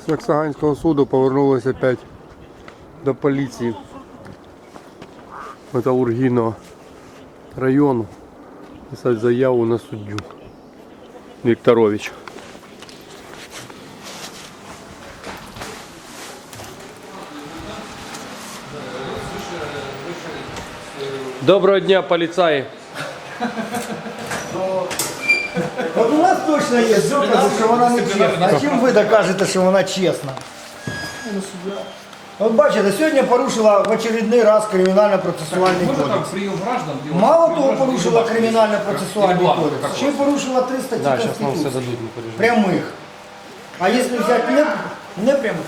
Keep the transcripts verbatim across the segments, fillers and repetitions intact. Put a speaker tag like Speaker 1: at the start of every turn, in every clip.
Speaker 1: З Саксаганського суду повернулися опять до поліції Металургійного району писати заяву на суддю Вікторович. Доброго дня, поліцаї!
Speaker 2: От у нас точно є докази, що вона не чесна. А чим ви докажете, що вона чесна? От бачите, сьогодні порушила в очередний раз кримінально-процесуальний кодекс. Мало того, порушила кримінально-процесуальний кодекс, ще й порушила три статті Конституції. Прямих. А якщо взяти не, не прямих?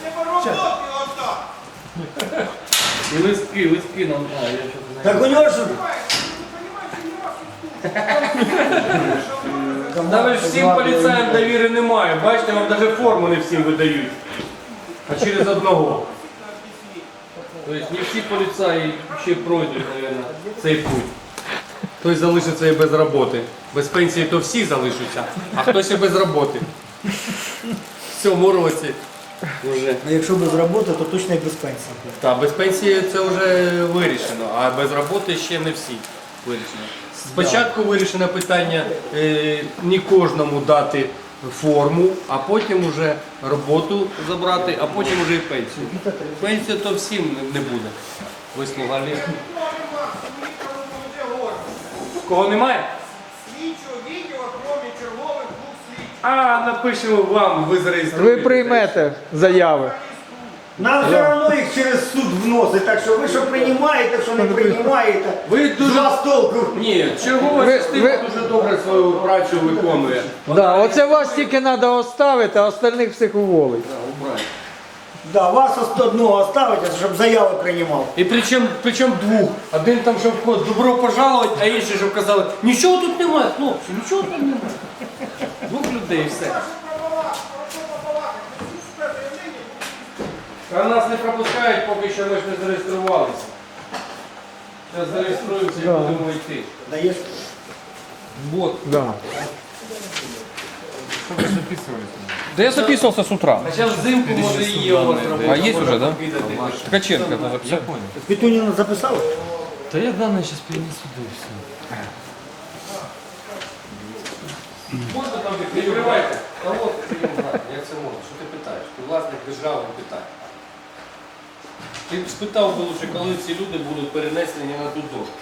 Speaker 3: І листки, листки нам, а, я щось не
Speaker 2: Так у нього ж...
Speaker 3: Навіть всім поліцаям довіри немає. Бачите, вам навіть форму не всім видають. А через одного. Тобто не всі поліцаї ще пройдуть, мабуть, цей путь. Хтось залишиться і без роботи. Без пенсії то всі залишаться, а хтось і без роботи. В цьому році вже.
Speaker 2: А якщо без роботи, то точно і без пенсії.
Speaker 3: Так, без пенсії це вже вирішено, а без роботи ще не всі вирішено. Спочатку вирішено питання е, не кожному дати форму, а потім вже роботу забрати, а потім вже і пенсію. Пенсія то всім не буде. Вислуга літ. Кого немає?
Speaker 4: Слідчого відділу, крім чергових двох слідчих.
Speaker 3: А, напишемо вам, ви зареєструєте.
Speaker 5: Ви приймете заяви.
Speaker 2: Нам все одно їх через суд вносить, так що ви що приймаєте, що не приймаєте,
Speaker 3: Ви
Speaker 2: з
Speaker 3: дуже...
Speaker 2: вас толку.
Speaker 3: Ні, чергова
Speaker 5: Ви-
Speaker 3: частина
Speaker 5: ви-
Speaker 3: дуже добре свою працю виконує.
Speaker 5: Да, оце вас тільки треба оставити, а остальних всіх уволити.
Speaker 2: Да, вас одного оставити, щоб заяви приймав.
Speaker 3: І причому, причому двох. Один там, щоб добро пожаловать, а інший, щоб казали, нічого тут немає, хлопці, нічого тут немає. Двох людей і все. А нас не пропускають, поки що ми ж не зареєструвалися. Зараз зареєструємося і
Speaker 5: Да.
Speaker 3: будемо йти.
Speaker 2: Даєш?
Speaker 3: Вот.
Speaker 5: Да.
Speaker 6: Да я записывался с утра.
Speaker 3: А зараз взимку може і є у вас робота.
Speaker 6: А є вже, да?
Speaker 3: Кидати.
Speaker 6: Ткаченко это записал.
Speaker 2: Петуніна записали?
Speaker 6: Да я данные сейчас перенесу, да и все.
Speaker 3: Можна там не відкривайте? Та от прийом знати, як це можна? Що ти питаєш? Ти власник держави питає. Ти б спитав би лучше, коли ці люди будуть перенесені на ту дошку.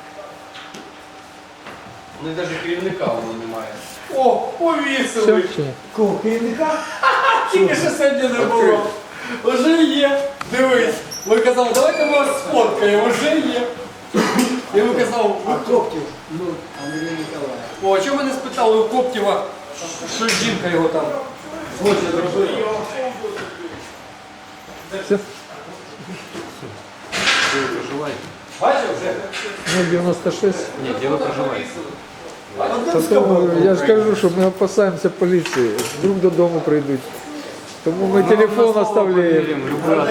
Speaker 3: Вони навіть керівника воно немає. О, повісили!
Speaker 5: Все, все.
Speaker 2: Кого, керівника?
Speaker 3: Тільки що сьогодні не було. Вже є. Дивись. Ви казали, давайте ми вас сфоткаємо. Вже є. І ви казав,
Speaker 2: А Коптів? Ну, Андрій Ніколаєв.
Speaker 3: о, а чому ви не спитали у Коптєва, що жінка його там злочин робила?
Speaker 5: Все.
Speaker 3: Де ви проживаєте? Бачив вже?
Speaker 5: Ну, дев'яносто шість.
Speaker 3: Ні, де ви проживаєте?
Speaker 5: Та то, я ж кажу, що ми опасаємося поліції. Вдруг додому прийдуть. Тому ми телефон оставляємо.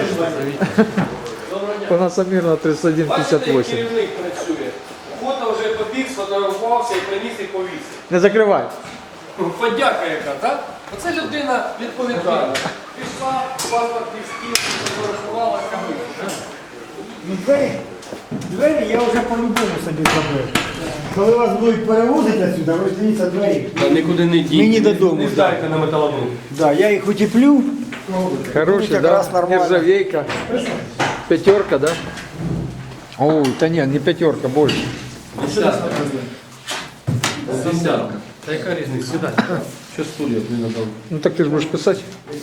Speaker 5: По нас Амірна тридцять один
Speaker 3: Бачите,
Speaker 5: п'ятдесят
Speaker 3: як
Speaker 5: вісім.
Speaker 3: керівник працює? Фото вже побіг, сфотографувався і приніс і повісив.
Speaker 5: Не закривай.
Speaker 3: Подяка яка, так? Оце людина відповідальна. Пішла, паспорт стіл, сфотографувала, камеру.
Speaker 2: Ну, двері, двері я вже по-любому собі зробив. Коли вас будуть перевозити отсюди, ви ж дивіться двері.
Speaker 3: Та нікуди не дійте.
Speaker 2: Мені додому,
Speaker 3: Не здайте на металолом.
Speaker 2: Да, я їх утеплю.
Speaker 5: Хороший, да?
Speaker 2: якраз нормально.
Speaker 5: Нержавейка. Пятерка, да? Ой, да нет, не пятерка, больше.
Speaker 3: Десятка. Десятка. Та яка різниця? Сідай. Що стулья не надав?
Speaker 5: Ну так ты же будешь писать.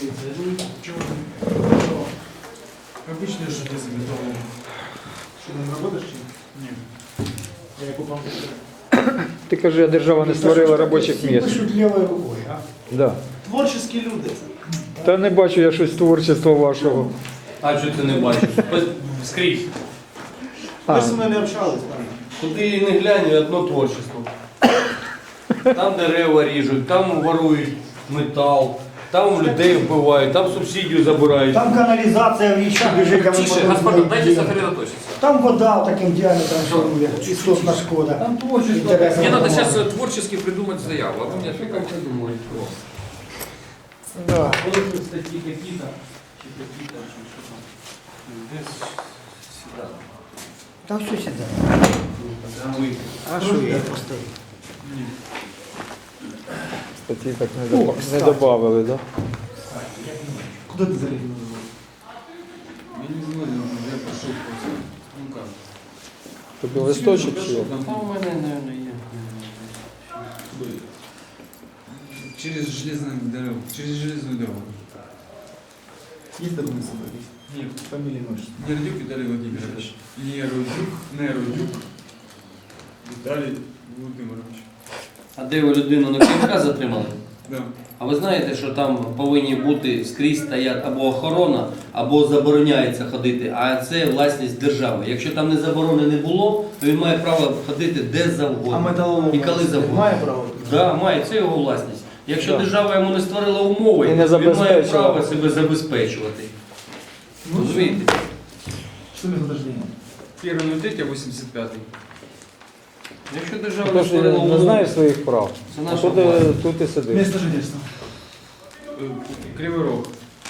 Speaker 7: Обычные же здесь готовы. Что, не работаешь? Нет. Я купил.
Speaker 5: Ти кажи, а держава не створила робочих місць.
Speaker 2: Пишуть лівою рукою, а?
Speaker 5: Да.
Speaker 7: Творческие люди.
Speaker 5: Та не бачу я щось творчества вашого.
Speaker 3: А що ти не бачиш? Скрізь.
Speaker 5: А.
Speaker 7: Мы с нами общались, да.
Speaker 3: Куди не глянь, одно творчество. Там дерева ріжуть, там ворують метал, там людей вбивають, там субсидію забирають.
Speaker 2: Там каналізація в річку біжить, а ми
Speaker 6: Тише,
Speaker 2: потім
Speaker 6: господин,
Speaker 2: знаємо,
Speaker 6: дайте
Speaker 2: де.
Speaker 6: сосредоточиться.
Speaker 2: Там вода таким діаметром шарує, істотна шкода.
Speaker 3: Там творчество.
Speaker 2: Інтересно.
Speaker 6: Мне надо сейчас творчески придумать заяву, а вы мне
Speaker 3: Що як придумають?
Speaker 5: Да.
Speaker 3: Коли тут статті які-то, чи такі-то, чи що там. Десь сюди.
Speaker 2: Та все сюди.
Speaker 3: Там ви.
Speaker 2: А що я поставив?
Speaker 5: Статті так не, добав... не добавили, да?
Speaker 7: Куда ты залез? Я не знаю, я пошел просто. Ну как?
Speaker 5: Тобі листочок чи як?
Speaker 3: Там у мене, мабуть, є.
Speaker 7: Через железную дорогу. Через железную дорогу.
Speaker 8: Есть документы?
Speaker 7: Нет.
Speaker 8: Фамилия номер.
Speaker 7: Нердюк Виталий Владимирович. Нердюк, Нердюк Виталий Владимирович.
Speaker 3: А де ви людину на КМК затримали?
Speaker 7: Да.
Speaker 3: А ви знаєте, що там повинні бути скрізь стоять або охорона, або забороняється ходити, а це власність держави. Якщо там не заборони не було, то він має право ходити де
Speaker 8: А
Speaker 3: завгодно.
Speaker 8: металолом
Speaker 3: І коли завгодно.
Speaker 8: має право?
Speaker 3: Да, має, це його власність. Якщо
Speaker 5: Да.
Speaker 3: держава йому не створила умови,
Speaker 5: І не
Speaker 3: він має
Speaker 5: забезпечила.
Speaker 3: право себе забезпечувати. Розумієте?
Speaker 8: Что место рождения?
Speaker 7: Первый ноль третий, восемьдесят пятый.
Speaker 3: Якщо держава не
Speaker 5: Тож
Speaker 3: створила
Speaker 5: не
Speaker 3: умови,
Speaker 5: знає своїх прав.
Speaker 3: це
Speaker 5: А
Speaker 3: наша
Speaker 5: тут,
Speaker 3: власність.
Speaker 5: е, тут і сидиш.
Speaker 8: Место жительства.
Speaker 7: Кривый Рог.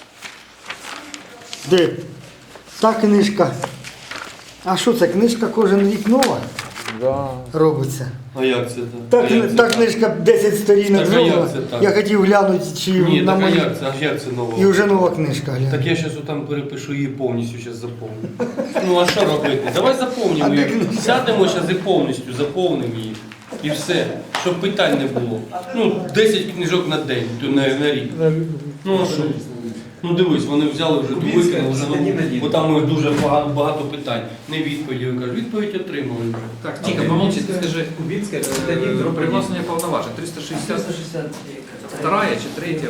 Speaker 2: Де? Та книжка. А що це? Книжка кожен рік нова
Speaker 5: Да.
Speaker 2: робиться.
Speaker 3: А як це
Speaker 2: Та,
Speaker 3: так? А як
Speaker 2: кни-
Speaker 3: це
Speaker 2: та
Speaker 3: так?
Speaker 2: книжка десять сторінок
Speaker 3: Так, а як
Speaker 2: зробила.
Speaker 3: це так?
Speaker 2: Я хотів глянути, чи
Speaker 3: Ні,
Speaker 2: на
Speaker 3: так а
Speaker 2: мої.
Speaker 3: як це? А як це нового?
Speaker 2: І вже нова книжка глянь.
Speaker 3: Так я зараз там перепишу її повністю, зараз заповню. Ну а що робити? Давай заповнимо
Speaker 2: А
Speaker 3: її.
Speaker 2: де-
Speaker 3: Сядемо зараз і повністю заповнимо її. І все, щоб питань не було. Ну, десять книжок на день, то на, на рік. Ну а що? Ну дивись, вони взяли вже викинули, вже, ну, бо там у них дуже багато, багато питань. Не відповіді, я кажу, відповідь отримали вже.
Speaker 6: Так, тихо, помолчи, ты скажи.
Speaker 8: Кубинская,
Speaker 6: Э, Привласнення повноважень. триста шістдесят два чи третя.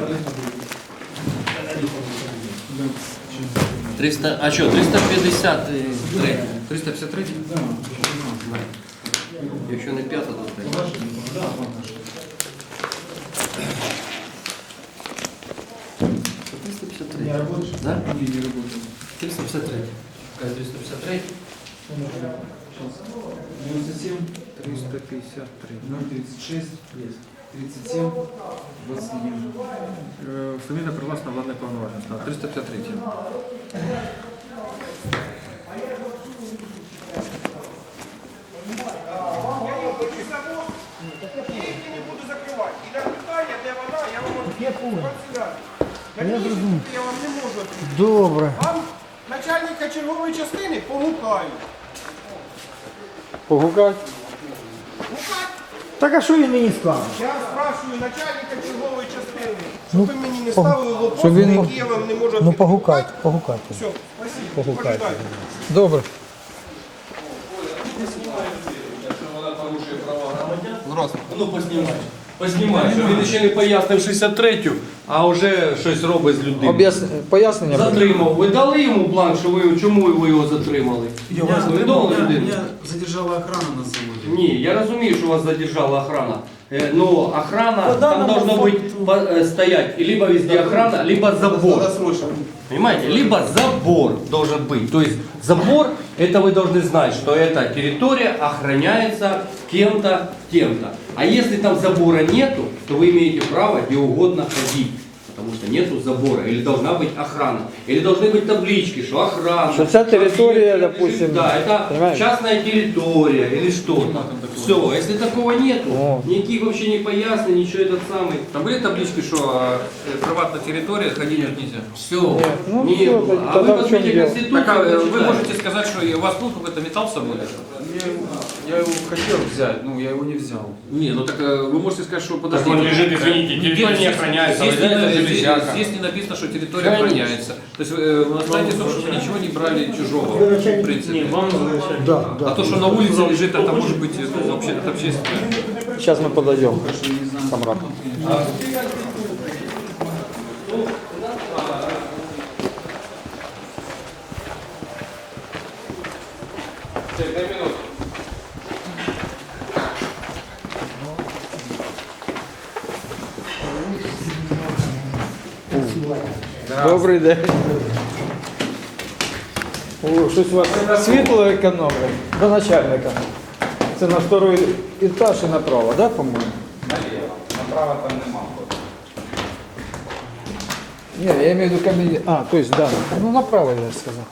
Speaker 3: триста, а що, триста п'ятдесят три.
Speaker 6: триста п'ятдесят три?
Speaker 3: Якщо не п'ята, то третя. триста п'ятдесят три.
Speaker 8: Не работаешь?
Speaker 3: Да?
Speaker 7: Не, не работаю.
Speaker 3: триста п'ятдесят три. Какая триста п'ятдесят три?
Speaker 7: девяносто семь,
Speaker 6: триста п'ятдесят три.
Speaker 7: ноль тридцать шесть, тридцать семь, двадцать один.
Speaker 6: Е, Фамілія привласна владне повноваження. Так, триста п'ятдесят три.
Speaker 4: Я її хочу завод, і її не буду закривати. І на питання, де вона, я вам
Speaker 2: Я понял.
Speaker 4: Я
Speaker 2: Я зрозумів.
Speaker 4: я вам не можу відповісти.
Speaker 2: Добре.
Speaker 4: Вам начальника чергової частини погукаю.
Speaker 5: Погукать?
Speaker 2: Так а що він мені сказав?
Speaker 4: Я спрашиваю начальника чергової частини,
Speaker 2: Ну,
Speaker 4: щоб ви мені не
Speaker 2: пог-
Speaker 4: ставили вопрос,
Speaker 2: щоб він
Speaker 4: на
Speaker 2: мог-
Speaker 4: які я вам не можу
Speaker 2: Ну
Speaker 4: відповісти.
Speaker 2: погукайте, погукайте.
Speaker 4: Все, спасибо.
Speaker 2: Погукайте.
Speaker 4: Пожидайте.
Speaker 5: Добре.
Speaker 3: Ну, познімай. Познімай, що він ще не пояснив шістдесят третю, а вже щось робить з людиною.
Speaker 5: Об'яс... Пояснення?
Speaker 3: Затримав. Ви дали йому бланк, що ви чому ви його затримали?
Speaker 8: Я
Speaker 3: Ви повідомили людину?
Speaker 8: Меня задержала охрана на заводе.
Speaker 3: Ні, я розумію, що вас задержала охрана. Э, Но охрана,
Speaker 2: По
Speaker 3: там
Speaker 2: данному
Speaker 3: должно быть
Speaker 2: факту.
Speaker 3: по- э, стоять и либо везде охрана, либо забор. Понимаете? Либо забор должен быть. То есть забор, это вы должны знать, что эта территория охраняется кем-то, тем-то. А если там забора нету, то вы имеете право где угодно ходить. Потому что нету забора, или должна быть охрана, или должны быть таблички, что охрана.
Speaker 5: Что вся территория,
Speaker 3: что
Speaker 5: допустим,
Speaker 3: да, это
Speaker 5: понимаете?
Speaker 3: частная территория или что-то. Все, если такого нету,
Speaker 5: О.
Speaker 3: никаких вообще не пояснений, ничего этот самый.
Speaker 6: Там були таблички, що е, приватна територія, ходити тут нельзя?
Speaker 3: Все,
Speaker 5: ну
Speaker 3: не
Speaker 5: всё,
Speaker 3: было. А
Speaker 5: тогда
Speaker 3: вы
Speaker 5: в чем
Speaker 3: посмотрите
Speaker 5: дело?
Speaker 3: Конституцию.
Speaker 6: Так, а э, вы
Speaker 3: почитайте.
Speaker 6: можете сказать, что у вас был какой-то металл с собой?
Speaker 7: Я, его- я его хотел взять, но я его не взял.
Speaker 6: Не, ну так э, вы можете сказать, что подождите.
Speaker 3: он лежит, извините, территория не охраняется,
Speaker 6: Здесь,
Speaker 3: а вот это
Speaker 6: не, здесь,
Speaker 3: железяка.
Speaker 6: здесь не написано, что территория
Speaker 3: Конечно.
Speaker 6: охраняется. То есть э, вы останетесь, чтобы вы ничего не брали чужого, в принципе.
Speaker 2: Да, да.
Speaker 6: А то, что на улице лежит, это может быть ну, вообще это общественное.
Speaker 5: Сейчас мы подойдем.
Speaker 7: Хорошо, не знаю.
Speaker 5: Камрад. Добрий день. О, щось у вас світло економить. До начальника. Це на второй етаж і направо, да, по-моєму?
Speaker 7: Налево. Направо там нема.
Speaker 5: Не, я имею в виду камень. А, то есть, да. Ну, направо, я сказал.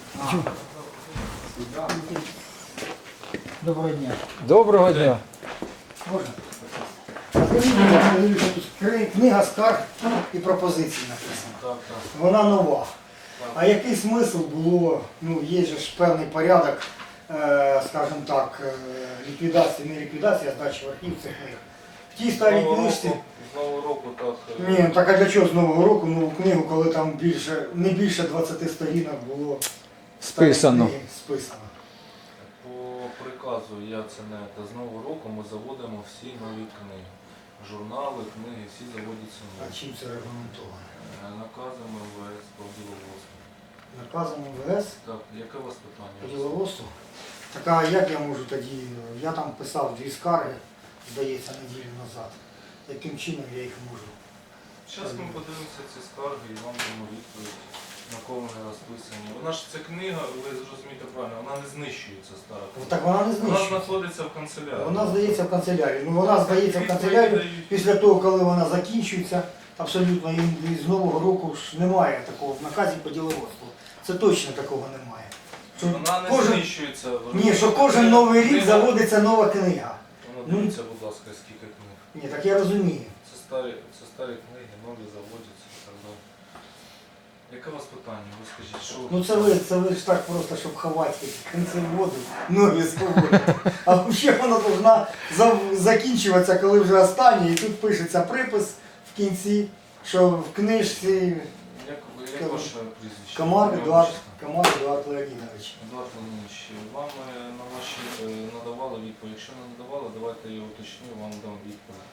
Speaker 2: Доброго дня.
Speaker 5: Доброго дня.
Speaker 2: Можна? Скажіть, будь ласка, дивіться, тут кри- книга скарг і пропозицій написана. Вона нова. А який смисл було, ну є же ж певний порядок, е, скажімо так, е, ліквідації, не ліквідації, а здачі в архів цих книг. В тій старій книжці.
Speaker 3: З Нового року так. е,
Speaker 2: Ні, ну так а для чого з Нового року нову книгу, коли там більше, не більше двадцяти сторінок було старих
Speaker 5: Списано.
Speaker 2: книг списано.
Speaker 9: По приказу я це не та з нового року ми заводимо всі нові книги. Журнали, книги, всі заводяться
Speaker 2: А
Speaker 9: нові.
Speaker 2: чим це регламентовано?
Speaker 9: Е, Наказами ВС по діловодству.
Speaker 2: Наказом МВС
Speaker 9: Так, яке у вас питання?
Speaker 2: по діловодству? Так а як я можу тоді, я там писав дві скарги, здається, неділю назад. Яким чином я їх можу?
Speaker 9: Зараз ми подивимося ці скарги і вам дамо відповідь, на кого вони розписані. Вона ж ця книга, ви зрозумієте правильно, вона не знищується стара.
Speaker 2: Ну, так вона не
Speaker 9: Вона
Speaker 2: знищується.
Speaker 9: знаходиться в канцелярії.
Speaker 2: Вона здається в канцелярії. Ну вона здається в канцелярію після того, коли вона закінчується. Абсолютно і з Нового року ж немає такого в наказі по діловодству. Це точно такого немає. Що
Speaker 9: Вона не
Speaker 2: кожен-
Speaker 9: знищується. Ви
Speaker 2: Ні, що
Speaker 9: розумієте,
Speaker 2: кожен новий рік
Speaker 9: книга-
Speaker 2: заводиться нова книга.
Speaker 9: Вона
Speaker 2: Ну,
Speaker 9: дивіться, будь ласка, скільки книг.
Speaker 2: Ні, так я розумію.
Speaker 9: Це старі, це старі книги, нові заводяться і так далі. Яке у вас питання? Ви скажіть, що
Speaker 2: Ну це ви, це ви ж так просто, щоб ховати кінці воду, нові свободи. А взагалі вона повинна за- закінчуватися, коли вже останнє, і тут пишеться припис в кінці, що в книжці
Speaker 9: як, як ваше прізвище?
Speaker 2: Комар
Speaker 9: Ім'я,
Speaker 2: Едуард,
Speaker 9: отчество?
Speaker 2: Комар Едуард Леонідович.
Speaker 9: Едуард Леонідович, вам е, на ваші е, надавали відповідь. Якщо не надавали, давайте я уточню, вам дам відповідь.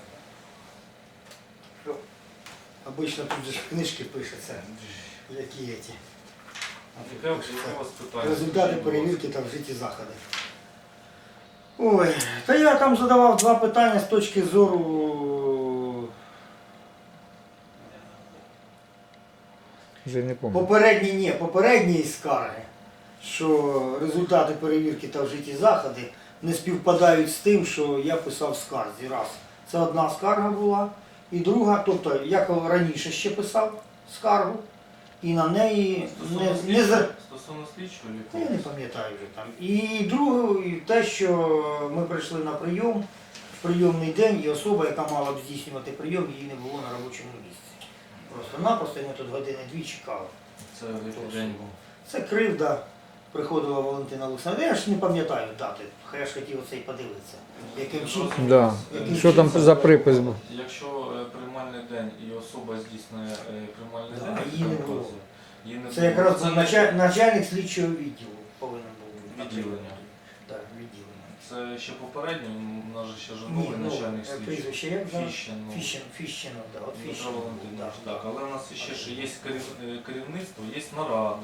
Speaker 2: Обично тут же ж книжки пишеться, які ці.
Speaker 9: Яке, яке у вас питання?
Speaker 2: Результати
Speaker 9: Скажіть, будь
Speaker 2: перевірки та вжиті заходи. Ой, та я там задавав два питання з точки зору
Speaker 5: Вже не помню.
Speaker 2: попередні, ні, попередньої скарги, що результати перевірки та вжиті заходи не співпадають з тим, що я писав в скарзі. Раз. Це одна скарга була. І друга, тобто я коли раніше ще писав скаргу, і на неї
Speaker 9: Стосовно
Speaker 2: не, не
Speaker 9: слідчого,
Speaker 2: за...
Speaker 9: стосовно слідчого
Speaker 2: Та я не
Speaker 9: лікування?
Speaker 2: пам'ятаю вже там. І друге, і те, що ми прийшли на прийом в прийомний день, і особа, яка мала б здійснювати прийом, її не було на робочому місці. Просто-напросто ми тут години-дві чекали.
Speaker 9: Це в який день був?
Speaker 2: Це кривда. Приходила Валентина Олександрівна. Я ж не пам'ятаю дати, хай я ж хотів оце і подивитися. Яким чином?
Speaker 5: Да.
Speaker 2: Яким
Speaker 5: Що там
Speaker 2: чином
Speaker 5: за
Speaker 2: це
Speaker 5: припис
Speaker 2: було?
Speaker 5: був?
Speaker 9: Якщо е, приймальний день і особа здійснює е, приймальний
Speaker 2: Да,
Speaker 9: день,
Speaker 2: а її не
Speaker 9: там
Speaker 2: було.
Speaker 9: вказує, її не
Speaker 2: Це
Speaker 9: було.
Speaker 2: якраз
Speaker 9: Це
Speaker 2: був
Speaker 9: не
Speaker 2: началь- начальник слідчого відділу повинен був.
Speaker 9: Відділення.
Speaker 2: Так, відділення.
Speaker 9: Це ще попередньо, у нас же ще ж
Speaker 2: Ні,
Speaker 9: новий
Speaker 2: ну,
Speaker 9: начальник
Speaker 2: е,
Speaker 9: слідчий.
Speaker 2: прізвище як зараз?
Speaker 9: Фіщен, ну,
Speaker 2: Фіщен, Фіщенов, да, от
Speaker 9: Дмитро
Speaker 2: Фіщенов.
Speaker 9: Валентинович,
Speaker 2: да.
Speaker 9: так, але у нас ще ж є керів- е, керівництво, є наради,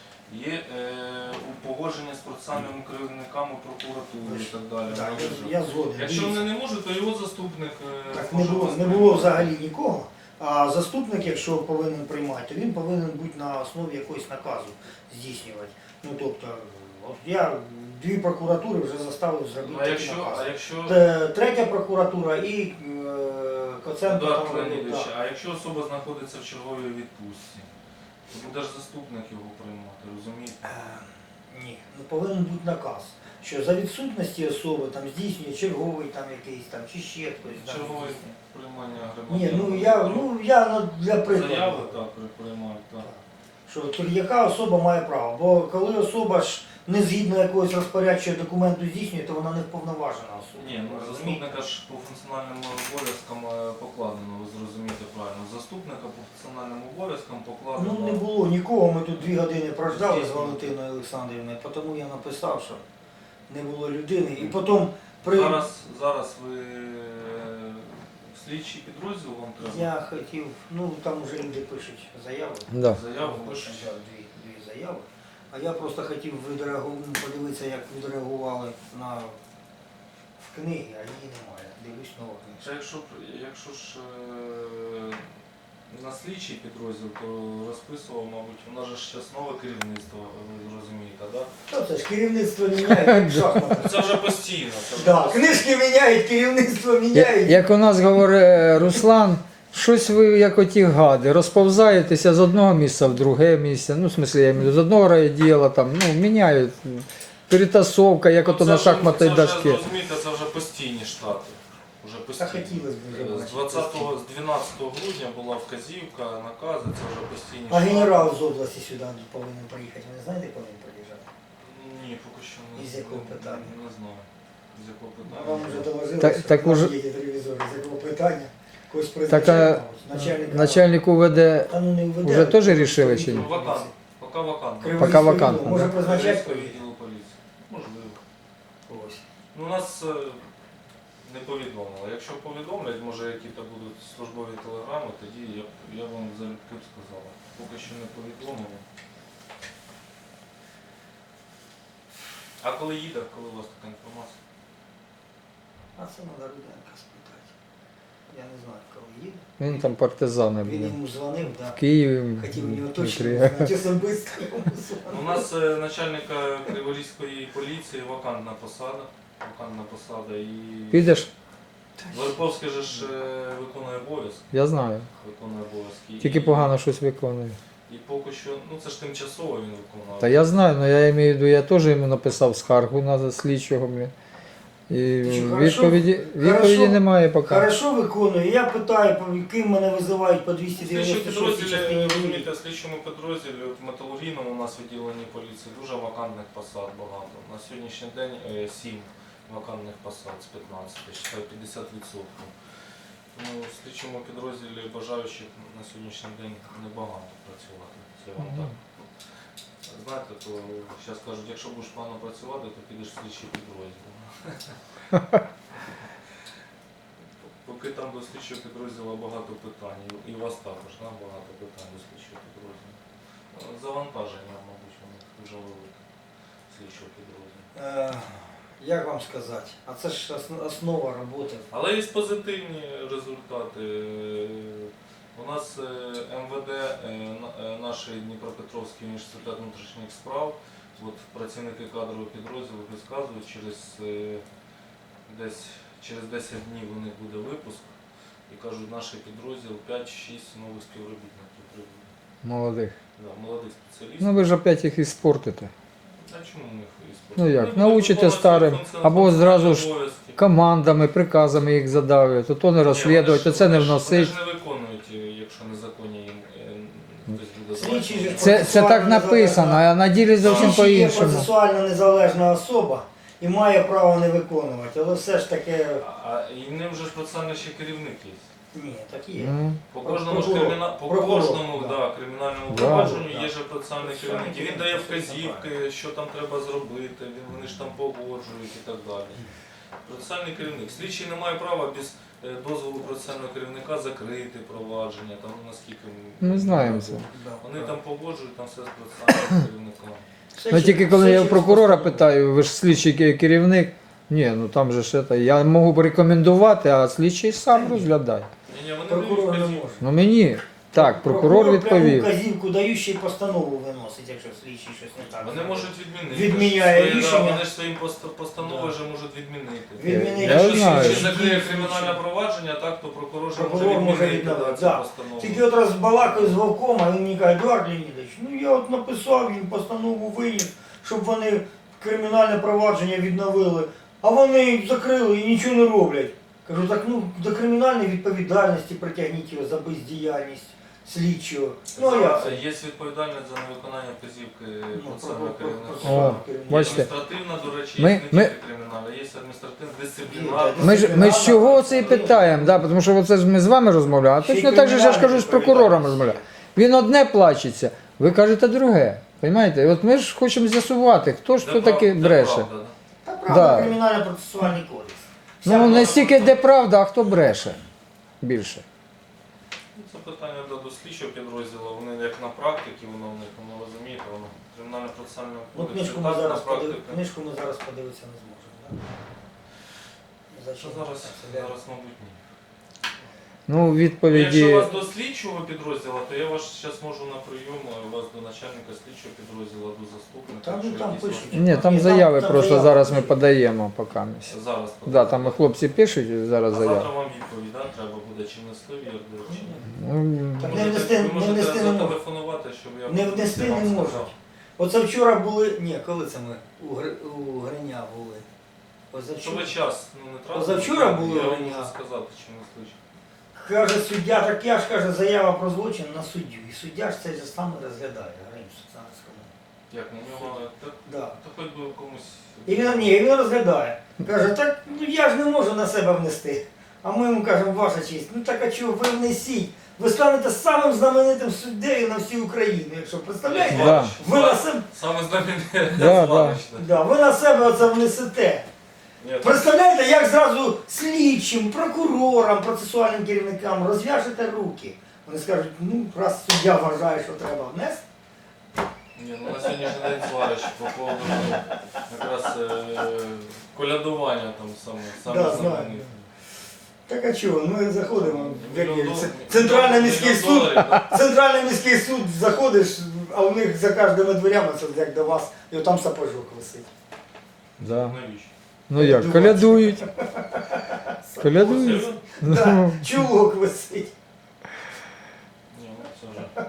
Speaker 9: є е, погодження з процесуальними керівниками прокуратури і так далі.
Speaker 2: Так,
Speaker 9: Вони ж-
Speaker 2: я, я згоден.
Speaker 9: Якщо
Speaker 2: Дивіться.
Speaker 9: вони не можуть, то його заступник е,
Speaker 2: Так не
Speaker 9: може
Speaker 2: було, не
Speaker 9: виступити.
Speaker 2: було взагалі нікого. А заступник, якщо повинен приймати, то він повинен бути на основі якогось наказу здійснювати. Ну тобто, от я дві прокуратури вже заставив зробити
Speaker 9: А
Speaker 2: такий
Speaker 9: якщо,
Speaker 2: наказ.
Speaker 9: а якщо
Speaker 2: Те- Третя прокуратура і е, Коценко.
Speaker 9: Едуард
Speaker 2: там,
Speaker 9: Леонідович,
Speaker 2: так.
Speaker 9: а якщо особа знаходиться в черговій відпустці, то буде ж заступник його приймати, розумієте?
Speaker 2: Е, Ні, ну повинен бути наказ, що за відсутності особи там здійснює черговий там якийсь там чи ще хтось. там
Speaker 9: Чергове
Speaker 2: здійснює.
Speaker 9: приймання
Speaker 2: Ні,
Speaker 9: громадян.
Speaker 2: ну я, ну я ну, для прикладу.
Speaker 9: Заяви так приймають, так.
Speaker 2: Що то яка особа має право? Бо коли особа ж не згідно якогось розпорядчого документу здійснює, то вона не вповноважена особа.
Speaker 9: Ні, ну
Speaker 2: Розумієте?
Speaker 9: заступника ж по функціональним обов'язкам е, покладено, ви зрозумієте правильно. Заступника по функціональним обов'язкам покладено.
Speaker 2: Ну не було нікого, ми тут дві години прождали з Валентиною Олександрівною, тому я написав, що не було людини. І потім при...
Speaker 9: Зараз, зараз ви е, слідчий підрозділ вам треба?
Speaker 2: я хотів, ну там вже люди пишуть заяви.
Speaker 5: Да.
Speaker 9: Заяву
Speaker 2: Пишуть
Speaker 9: пишуть.
Speaker 2: да, дві, дві заяви. А я просто хотів відреагу- подивитися, як відреагували на в книгі, а її немає. Дивлюсь нова
Speaker 9: Це
Speaker 2: книжка.
Speaker 9: якщо, якщо ж е, на слідчий підрозділ, то розписував, мабуть, у нас же ж зараз нове керівництво, ви розумієте, так? Да?
Speaker 2: Що це ж керівництво міняє, як шахмати.
Speaker 9: Це вже постійно. Це вже
Speaker 2: Да,
Speaker 9: постійно.
Speaker 2: книжки міняють, керівництво
Speaker 5: Я-
Speaker 2: міняють.
Speaker 5: Як у нас говорить Руслан, Щось ви, як оті гади, розповзаєтеся з одного місця в друге місце. Ну, в смислі, я маю з одного райділа, там, ну, міняють. Перетасовка, як ото
Speaker 9: Ну, це
Speaker 5: на
Speaker 9: вже-
Speaker 5: шахматній
Speaker 9: це вже,
Speaker 5: дошці.
Speaker 9: розумієте, це вже постійні штати. Уже
Speaker 2: Та
Speaker 9: постійні.
Speaker 2: хотілося б вже
Speaker 9: З
Speaker 2: бачити.
Speaker 9: двадцятого, з дванадцятого грудня була вказівка, накази, це вже постійні
Speaker 2: А
Speaker 9: штати.
Speaker 2: генерал з області сюди повинен приїхати. Ви не знаєте, коли він приїжджав?
Speaker 9: Ні, поки що не
Speaker 2: Із якого
Speaker 9: не-
Speaker 2: питання?
Speaker 9: Не знаю. З якого
Speaker 2: Вам
Speaker 9: питання.
Speaker 2: вже доложили,
Speaker 5: Так-
Speaker 2: що
Speaker 5: так
Speaker 2: там
Speaker 5: уже-
Speaker 2: є телевізор, з якого питання. Когось
Speaker 5: Так,
Speaker 2: призначають,
Speaker 5: а
Speaker 2: начальник.
Speaker 5: начальник УВД
Speaker 2: Та ну не введе.
Speaker 5: вже теж рішили чи ні?
Speaker 9: Ну, вакант. Поки вакантно.
Speaker 2: Криворізького
Speaker 5: Поки вакантно,
Speaker 2: відділу. Може
Speaker 5: да?
Speaker 2: призначати?
Speaker 9: Київського відділу поліції. Можливо.
Speaker 2: Ось.
Speaker 9: Ну, нас е, не повідомили. Якщо повідомлять, може які-то будуть службові телеграми, тоді я, б- я вам залюбки б сказала. Поки що не повідомили. А коли їде, коли у вас така інформація?
Speaker 2: А це треба Руденка спитати. Я не знаю, коли їде.
Speaker 5: Він там партизани
Speaker 2: Він
Speaker 5: були.
Speaker 2: йому дзвонив, да.
Speaker 5: В Києві.
Speaker 2: Хотів у нього
Speaker 5: в
Speaker 2: точно
Speaker 5: Дніпрі.
Speaker 2: знати особисто. йому
Speaker 9: У
Speaker 2: дзвонив.
Speaker 9: нас е, начальника Криворізької поліції вакантна посада. Вакантна посада і
Speaker 5: Підеш?
Speaker 9: Верховський же ж е, виконує обов'язки.
Speaker 5: Я знаю.
Speaker 9: Виконує обов'язки.
Speaker 5: Тільки
Speaker 9: І-
Speaker 5: погано щось виконує.
Speaker 9: І поки що, ну це ж тимчасово він виконував.
Speaker 5: Та я знаю, але я маю в виду, я теж йому написав скаргу на слідчого, блін. І
Speaker 2: Ти що, хорошо?
Speaker 5: відповіді, відповіді
Speaker 2: Хорошо?
Speaker 5: немає поки.
Speaker 2: Хорошо виконує. Я питаю, по яким мене визивають по двісті
Speaker 9: Слідчі
Speaker 2: дев'яносто шостій
Speaker 9: підрозділі,
Speaker 2: частині.
Speaker 9: розумієте, в слідчому підрозділі, от в металургійному у нас відділенні поліції дуже вакантних посад багато. На сьогоднішній день е, сім вакантних посад з п'ятнадцяти, ще п'ятдесят відсотків. Тому в слідчому підрозділі бажаючих на сьогоднішній день небагато працювати. Це вам
Speaker 5: Мгм.
Speaker 9: так. Знаєте, то зараз кажуть, якщо будеш погано працювати, то підеш в слідчий підрозділ. Поки там до слідчого підрозділу багато питань, і у вас також да, багато питань до слідчого підрозділу. Завантаження, мабуть, у них дуже велике слідчого підрозділу.
Speaker 2: Е, Як вам сказати? А це ж ос- основа роботи.
Speaker 9: Але є позитивні результати. У нас е, МВД, е, на- е, наш Дніпропетровський університет внутрішніх справ, от працівники кадрового підрозділу розказують, через е, десь через десять днів у них буде випуск і кажуть, наш підрозділ п'ять-шість нових співробітників прибуде.
Speaker 5: Молодих.
Speaker 9: Да, молодих спеціалістів.
Speaker 5: Ну ви ж опять їх і спортите.
Speaker 9: А чому ми їх і
Speaker 5: Ну як,
Speaker 9: Вони
Speaker 5: научите
Speaker 9: будуть виконувати
Speaker 5: старим,
Speaker 9: свої функціональні
Speaker 5: або зразу ж
Speaker 9: обов'язки.
Speaker 5: командами, приказами їх задавлюють, то то не розслідують, то це не вносить.
Speaker 9: Вони ж не виконують, якщо незаконні їм е, хтось буде
Speaker 2: Слідчий же ж
Speaker 5: Це, це так написано, а на ділі зовсім
Speaker 2: Слідчий є
Speaker 5: по-іншому.
Speaker 2: процесуально незалежна особа і має право не виконувати, але все ж таки
Speaker 9: А і в ним же ж процесуальний ще керівник є.
Speaker 2: ні, так є.
Speaker 5: Ну,
Speaker 9: По кожному ж
Speaker 2: Прокурор.
Speaker 9: криміна... по
Speaker 2: Прокурор,
Speaker 9: кожному
Speaker 2: да.
Speaker 9: да, кримінальному
Speaker 5: Да.
Speaker 9: провадженню
Speaker 2: Да.
Speaker 9: є же процесуальний керівник. І він дає вказівки, що там треба зробити, він- вони ж там погоджують і так далі. Процесуальний керівник. Слідчий не має права без е, дозволу процесуального керівника закрити провадження, там наскільки
Speaker 5: Ми знаємо це.
Speaker 2: Да.
Speaker 9: Вони там погоджують, там все з процесуальним керівником.
Speaker 2: Все
Speaker 5: Ну
Speaker 2: чи-
Speaker 5: тільки коли
Speaker 2: все
Speaker 5: я у
Speaker 2: через
Speaker 5: прокурора
Speaker 2: постанову.
Speaker 5: питаю, ви ж слідчий ке- керівник, ні, ну там же ж це, я можу б рекомендувати, а слідчий сам розглядає.
Speaker 9: Ні, ні, вони
Speaker 2: Прокурор
Speaker 9: дають
Speaker 2: не
Speaker 9: вказівки.
Speaker 2: може.
Speaker 5: Ну мені, так, прокурор
Speaker 2: пряму
Speaker 5: відповів.
Speaker 2: вказівку даю, ще й постанову виносить, якщо слідчий щось не так.
Speaker 9: Вони можуть відмінити.
Speaker 2: Відміняє
Speaker 9: Свої, да,
Speaker 2: рішення.
Speaker 9: Вони ж своїм пост- постановою вже можуть відмінити.
Speaker 2: Відмінити.
Speaker 5: Я
Speaker 9: Якщо
Speaker 5: знаю.
Speaker 9: слідчий закриє кримінальне провадження, так, то прокурор же
Speaker 2: Прокурор
Speaker 9: може
Speaker 2: може
Speaker 9: відмінити да,
Speaker 2: відновити,
Speaker 9: цю
Speaker 2: да.
Speaker 9: постанову.
Speaker 2: Тільки от раз балакаю з Вовком, а він мені каже, Едуард Леонідович, ну я от написав їм постанову виніс, щоб вони кримінальне провадження відновили, а вони закрили і нічого не роблять. Кажу, так ну до кримінальної відповідальності притягніть його за бездіяльність слідчого. Ну а як?
Speaker 9: Це є відповідальність за невиконання вказівки
Speaker 2: Ну,
Speaker 9: процесуального
Speaker 2: про- про-
Speaker 9: керівника.
Speaker 2: про-
Speaker 5: О,
Speaker 2: про-
Speaker 9: Є
Speaker 5: бачите.
Speaker 9: адміністративна, до речі,
Speaker 5: Ми-
Speaker 9: є не
Speaker 5: ми-
Speaker 9: тільки кримінальна, є адміністративна, дисциплінарна.
Speaker 5: Ми ж, ми з чого це і питаємо, да, тому що оце ж ми з вами розмовляємо, а
Speaker 2: Ще й
Speaker 5: точно так же ж я ж кажу, з
Speaker 2: кримінальна
Speaker 5: прокурором
Speaker 2: відповідальність.
Speaker 5: розмовляю. Він одне плачеться, ви кажете друге. Понимаєте? От ми ж хочемо з'ясувати, хто ж
Speaker 9: Де
Speaker 5: хто
Speaker 9: прав-
Speaker 5: таки
Speaker 9: де
Speaker 5: бреше.
Speaker 9: правда, да.
Speaker 2: Та правда,
Speaker 5: Да.
Speaker 2: кримінально-процесуальний кодекс. Вся
Speaker 5: Ну
Speaker 2: правда.
Speaker 5: не стільки де правда, а хто бреше більше.
Speaker 9: Ну, Це питання до, до слідчого підрозділу, вони як на практиці, воно в них, воно розумієте, воно кримінально-процесуального
Speaker 2: Ну,
Speaker 9: кодексу,
Speaker 2: книжку ми
Speaker 9: так, на
Speaker 2: зараз подив...
Speaker 9: практиці.
Speaker 2: книжку ми зараз подивитися не зможемо. Да?
Speaker 9: Що
Speaker 2: Зачем?
Speaker 9: зараз,
Speaker 2: Це
Speaker 9: зараз, мабуть, ні.
Speaker 5: Ну,
Speaker 9: Якщо
Speaker 5: відповіді.
Speaker 9: вас до слідчого підрозділу, то я вас зараз можу на прийом, а вас до начальника слідчого підрозділу, до заступника.
Speaker 2: Там,
Speaker 9: якщо
Speaker 2: там
Speaker 9: якісь
Speaker 2: пишуть.
Speaker 5: Ні, там
Speaker 2: Ні,
Speaker 5: заяви
Speaker 2: там
Speaker 5: просто
Speaker 2: заяви.
Speaker 5: зараз ми подаємо поки.
Speaker 9: вам- Зараз.
Speaker 5: Да, там і хлопці пишуть зараз
Speaker 9: А
Speaker 5: заяви.
Speaker 9: завтра вам відповідь, да? Треба буде, чи внесли в ЄРДР, чи ні.
Speaker 5: Ну,
Speaker 2: Так
Speaker 9: Ви
Speaker 2: не
Speaker 9: можете-
Speaker 2: внести,
Speaker 9: ви
Speaker 2: не
Speaker 9: можете
Speaker 2: внести не можуть.
Speaker 9: зателефонувати, щоб я
Speaker 2: Не внести
Speaker 9: вам
Speaker 2: не
Speaker 9: сказав.
Speaker 2: можуть. Оце вчора були, ні, коли це ми у, Гри- у Гриня були?
Speaker 9: Що
Speaker 2: Позавчора.
Speaker 9: ви час ну, не тратите?
Speaker 2: Позавчора були
Speaker 9: Я вам
Speaker 2: вони,
Speaker 9: можу
Speaker 2: а?
Speaker 9: сказати, чи не слышно.
Speaker 2: Каже суддя, так я ж каже, заява про злочин на суддю. І суддя ж цей же саме розглядає, Гринь Сусанському.
Speaker 9: Як на нього, та,
Speaker 2: Да.
Speaker 9: та хоч би комусь...
Speaker 2: І він, ні, він розглядає. Каже, так ну, я ж не можу на себе внести. А ми йому кажемо, ваша честь, ну так а чого ви внесіть? Ви станете самим знаменитим суддею на всій Україні, якщо представляєте?
Speaker 5: Да.
Speaker 2: Ви на себе,
Speaker 9: Саме знамените
Speaker 5: Да,
Speaker 9: зварочне.
Speaker 2: да, ви на себе оце внесете.
Speaker 9: Ні, так,
Speaker 2: Представляєте, як зразу слідчим, прокурорам, процесуальним керівникам розв'яжете руки. Вони скажуть, ну раз суддя вважає, що треба внести.
Speaker 9: ні, ну на сьогоднішній день зварич по поводу ну, якраз е, колядування там саме, саме
Speaker 2: Да, знаю.
Speaker 9: знамените.
Speaker 2: Так а чого, ми заходимо в який-
Speaker 9: Мільйон
Speaker 2: це-
Speaker 9: дол-
Speaker 2: центральний
Speaker 9: мільйон
Speaker 2: міський суд.
Speaker 9: доларів, да?
Speaker 2: Центральний міський суд заходиш, а у них за кожними дверями, це як до вас, і там сапожок висить.
Speaker 5: да.
Speaker 9: Навіщо?
Speaker 5: Ну як, колядують. Колядують.
Speaker 9: Серйозно?
Speaker 2: Да,
Speaker 5: Ну,
Speaker 2: чулок висить.
Speaker 9: Ні, ну це вже.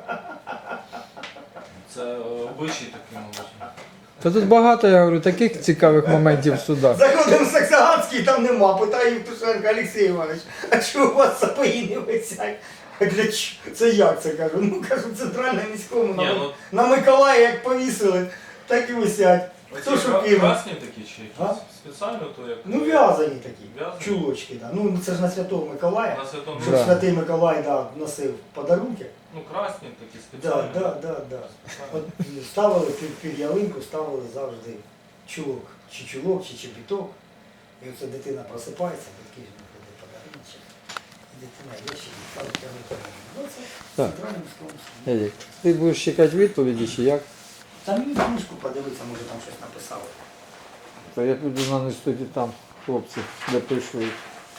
Speaker 9: Це е, обичай такий, мабуть.
Speaker 5: Та тут багато, я говорю, таких цікавих моментів в судах.
Speaker 2: Заходимо в Саксаганський, там нема. Питає Євтушенко, Олексій Іванович, а чого у вас сапоги не висять? А для чого? Це як це кажу? Ну кажу, в центральному міському
Speaker 9: Ні,
Speaker 2: на,
Speaker 9: ну
Speaker 2: на Миколаї як повісили, так і висять. Хто
Speaker 9: оці
Speaker 2: що
Speaker 9: кра-
Speaker 2: кинув?
Speaker 9: красні такі чи
Speaker 2: А?
Speaker 9: якісь? Спеціально то як?
Speaker 2: Ну в'язані такі,
Speaker 9: В'язані?
Speaker 2: чулочки. Да. Ну це ж на Святого Миколая.
Speaker 9: На святому
Speaker 2: Щоб
Speaker 5: Да.
Speaker 2: Святий Миколай да, носив подарунки.
Speaker 9: Ну красні такі
Speaker 2: Да,
Speaker 9: спеціальні.
Speaker 2: да, да, да. От ставили під, під ялинку, ставили завжди чулок, чи чулок, чи чепіток. І оце дитина просипається, батьки ж виходять подарунки. І дитина ящик ставить ялинку. Ну це в
Speaker 5: Так.
Speaker 2: центральному міському суді.
Speaker 5: Едік, ти будеш чекати відповіді чи як?
Speaker 2: Там мені книжку подивитися, може там щось написали.
Speaker 5: Та я піду на інституті там, хлопці, допишуть.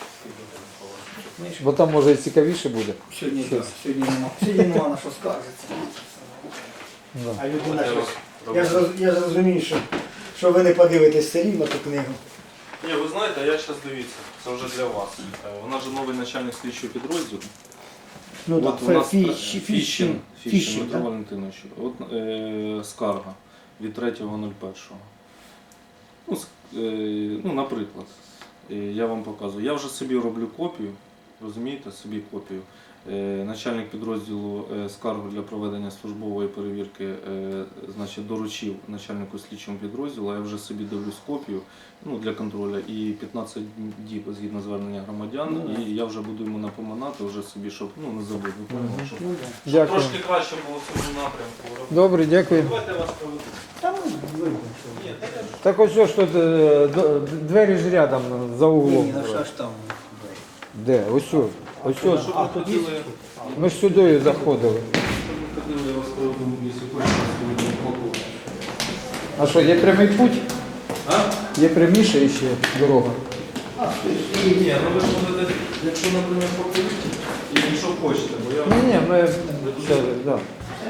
Speaker 2: Книжку.
Speaker 5: Бо там може і цікавіше буде.
Speaker 2: Сьогодні,
Speaker 5: Щось.
Speaker 2: так, сьогодні нема. Сьогодні нема на що скаржитися.
Speaker 5: Да.
Speaker 2: А людина
Speaker 9: Я
Speaker 2: щось.
Speaker 9: роз-
Speaker 2: Я ж, роз- я ж розумію, що, що ви не подивитесь все рівно ту книгу.
Speaker 9: Ні, ви знаєте, я зараз дивіться, це вже для вас. Е, Вона ж новий начальник слідчого підрозділу.
Speaker 2: Ну
Speaker 9: От
Speaker 2: так,
Speaker 9: у нас
Speaker 2: Фіщ-
Speaker 9: Фіщин,
Speaker 2: Фіщин,
Speaker 9: Фіщин
Speaker 2: Фіщин,
Speaker 9: Дмитро
Speaker 2: так?
Speaker 9: Валентинович. От е, скарга від третього нуль першого. Ну, с- е, ну, наприклад, е, я вам показую. Я вже собі роблю копію, розумієте, собі копію. Е, начальник підрозділу е, скаргу для проведення службової перевірки е, значить, доручив начальнику слідчого підрозділу, а я вже собі дивлюсь копію ну, для контролю і п'ятнадцять діб згідно звернення громадян,
Speaker 2: Ну,
Speaker 9: і я вже буду йому напоминати вже собі, щоб ну, не забути. Ви поняли, щоб, щоб
Speaker 5: Дякую.
Speaker 9: трошки краще було в цьому напрямку.
Speaker 5: Добре, дякую.
Speaker 9: Давайте я вас проведу.
Speaker 2: Там видно, що.
Speaker 9: Ні, так я ж-
Speaker 5: Так ось що ж тут е, д- двері ж рядом за углом.
Speaker 2: Ні, на ж там.
Speaker 5: Де? Ось що. Ось що.
Speaker 9: Щоб
Speaker 2: А,
Speaker 9: ви
Speaker 2: тут є?
Speaker 9: ходили,
Speaker 5: Ми ж сюди заходили.
Speaker 9: щоб ви ходили, я вас проведу, якщо хочете, сьогодні полковник.
Speaker 5: А що, є прямий путь?
Speaker 9: А?
Speaker 5: Є пряміша ще дорога.
Speaker 9: Ні, ну ви ж можете, якщо, наприклад, по політі, і якщо хочете, бо я...
Speaker 5: Ні, ні, ми все, да.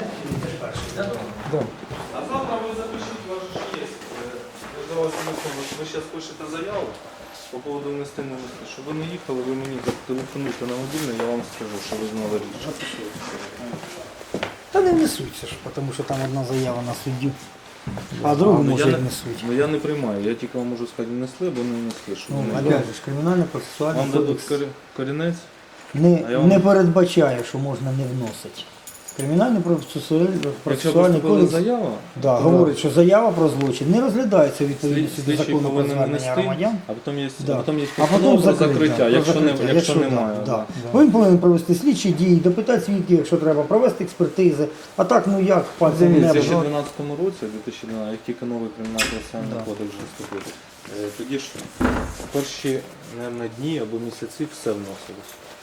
Speaker 5: Да.
Speaker 9: А завтра ви запишіть, у вас же ж є. е, Я за вас не помню, ви зараз пишете заяву по поводу внести не внести. Щоб ви не їхали, ви мені телефонуйте на мобільний, я вам скажу, що ви знали рішення.
Speaker 2: Та не внесуться ж, тому що там одна заява на суддю, а другу
Speaker 9: ну,
Speaker 2: може
Speaker 9: я
Speaker 2: і
Speaker 9: не-
Speaker 2: внесуть.
Speaker 9: Ну я не приймаю, я тільки вам можу сказати, внесли або не внесли. Щоб
Speaker 2: Ну,
Speaker 9: ви не-
Speaker 2: опять же, ж, кримінально-процесуальний
Speaker 9: Вам дадуть
Speaker 2: кодекс
Speaker 9: корі- корінець?
Speaker 2: не,
Speaker 9: а я вам-
Speaker 2: не передбачає, що можна не вносити. Кримінальний процесуальний
Speaker 9: Якщо
Speaker 2: процесуальний
Speaker 9: поступила
Speaker 2: кодекс
Speaker 9: заява,
Speaker 2: да,
Speaker 9: то
Speaker 2: говорить, що заява про злочин не розглядається у
Speaker 9: слід-
Speaker 2: відповідності до
Speaker 9: слідчий
Speaker 2: закону про
Speaker 9: повинен
Speaker 2: звернення
Speaker 9: внести,
Speaker 2: громадян.
Speaker 9: а потім є,
Speaker 2: Да.
Speaker 9: а потім є
Speaker 2: А потім
Speaker 9: постанова про
Speaker 2: закриття,
Speaker 9: закриття,
Speaker 2: про
Speaker 9: якщо,
Speaker 2: закриття,
Speaker 9: не, якщо
Speaker 2: да,
Speaker 9: немає.
Speaker 2: да.
Speaker 9: да.
Speaker 2: Він повинен провести слідчі дії, допитати свідків, якщо треба, провести експертизи. А так, ну як,
Speaker 9: У
Speaker 2: пальцем в небо.
Speaker 9: дві тисячі
Speaker 2: ну,
Speaker 9: дванадцятому році, дві тисячі дванадцятому, як тільки новий кримінальний процесуальний
Speaker 2: Да.
Speaker 9: кодекс вже вступив, е, тоді ж перші, мабуть, дні або місяці все вносилось.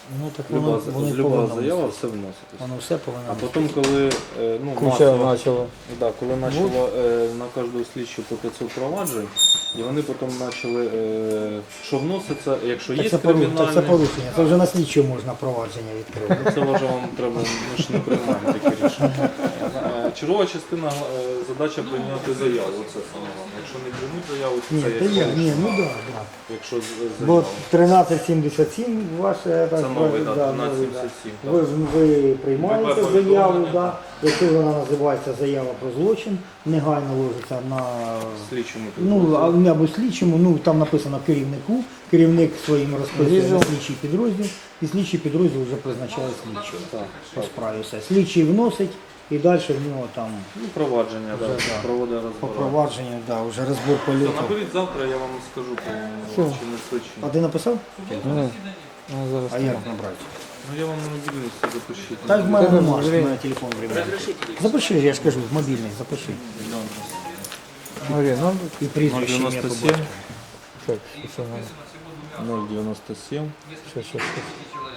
Speaker 2: Ну так
Speaker 3: Люба,
Speaker 2: воно, воно й
Speaker 3: люба
Speaker 2: повинно
Speaker 3: заява
Speaker 2: бути.
Speaker 3: все вноситись.
Speaker 2: Воно все повинно
Speaker 3: А
Speaker 2: бути.
Speaker 3: потім, коли е, ну,
Speaker 5: Куча
Speaker 3: масово,
Speaker 5: почала.
Speaker 3: да, коли почало е, на кожного слідчу по п'ятсот проваджень, і вони потім почали, е, що вноситься, якщо
Speaker 2: Так
Speaker 3: є
Speaker 2: це, пору- так це
Speaker 3: кримінальне,
Speaker 2: порушення. Це вже на слідчого можна провадження відкрити.
Speaker 3: це вже вам треба, ми ж не приймаємо такі рішення. Е, Чергова частина е, задача прийняти заяву, оце саме головне. Якщо не приймуть заяву, то
Speaker 2: Ні,
Speaker 3: це
Speaker 2: та
Speaker 3: є
Speaker 2: є, ні,
Speaker 3: порушення.
Speaker 2: ну так, да, да.
Speaker 3: Якщо з-
Speaker 2: Бо
Speaker 3: заяву.
Speaker 2: тринадцять сімдесят сім ваше,
Speaker 3: Це
Speaker 2: так,
Speaker 3: новий,
Speaker 2: да,
Speaker 3: да,
Speaker 2: новий, да.
Speaker 3: тринадцять сімдесят сім.
Speaker 2: Ви, ви приймаєте
Speaker 3: ВП
Speaker 2: заяву,
Speaker 3: повідомлення.
Speaker 2: да. Якщо вона називається заява про злочин, негайно ложиться на
Speaker 3: Слідчому
Speaker 2: ну,
Speaker 3: підрозділі.
Speaker 2: а- або слідчому, ну там написано керівнику, керівник своїм розписує
Speaker 5: Відділ.
Speaker 2: на слідчий підрозділ, і слідчий підрозділ вже призначає слідчого
Speaker 3: Так,
Speaker 2: по
Speaker 3: так.
Speaker 2: справі. Все. Слідчий вносить і далі в нього там
Speaker 3: Ну, провадження, да,
Speaker 2: Вже, да.
Speaker 3: проводить
Speaker 2: по
Speaker 3: розбирати.
Speaker 2: провадженню, да, вже розбір
Speaker 3: Все,
Speaker 2: польоту.
Speaker 3: наберіть завтра, я вам скажу по
Speaker 5: Все.
Speaker 3: чи не слідчі.
Speaker 2: А ти написав?
Speaker 5: Ні. Ну, зараз
Speaker 2: А як набрати?
Speaker 3: Ну я вам на мобільності запишіть.
Speaker 2: Так в мене
Speaker 5: Тебе
Speaker 2: нема, що в
Speaker 5: время.
Speaker 2: мене телефон временний. Запиши, я ж кажу, мобільний, запиши.
Speaker 5: Марія, ну,
Speaker 2: І прізвище ім'я по
Speaker 3: дев'яносто
Speaker 2: батькові.
Speaker 5: так, що надо?
Speaker 3: ноль девяносто семь
Speaker 5: Щас, щас, щас.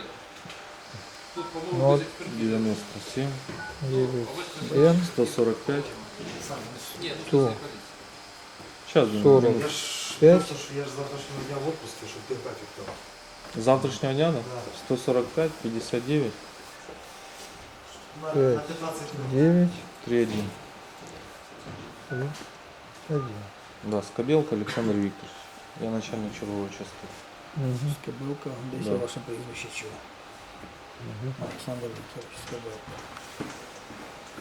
Speaker 5: Ноль,
Speaker 3: девяносто семь
Speaker 5: дев'ять, сім,
Speaker 3: сто сорок пять.
Speaker 5: сто,
Speaker 3: Сейчас
Speaker 5: сорок п'ять,
Speaker 7: Я ж завтрашнього дня в отпуску, щоб ти графік там.
Speaker 3: Завтрашнего дня, да? сто сорок пять пятьдесят девять
Speaker 7: На,
Speaker 5: П'ять.
Speaker 7: на п'ятнадцять минут.
Speaker 5: дев'ять,
Speaker 3: три один.
Speaker 5: один.
Speaker 3: Да, Скобелка Александр Викторович. Я начальник черговой части.
Speaker 5: Угу.
Speaker 2: Скобилка, десь
Speaker 3: Да.
Speaker 2: я ваше прізвище чув. Олександр Вікторович Скобилка.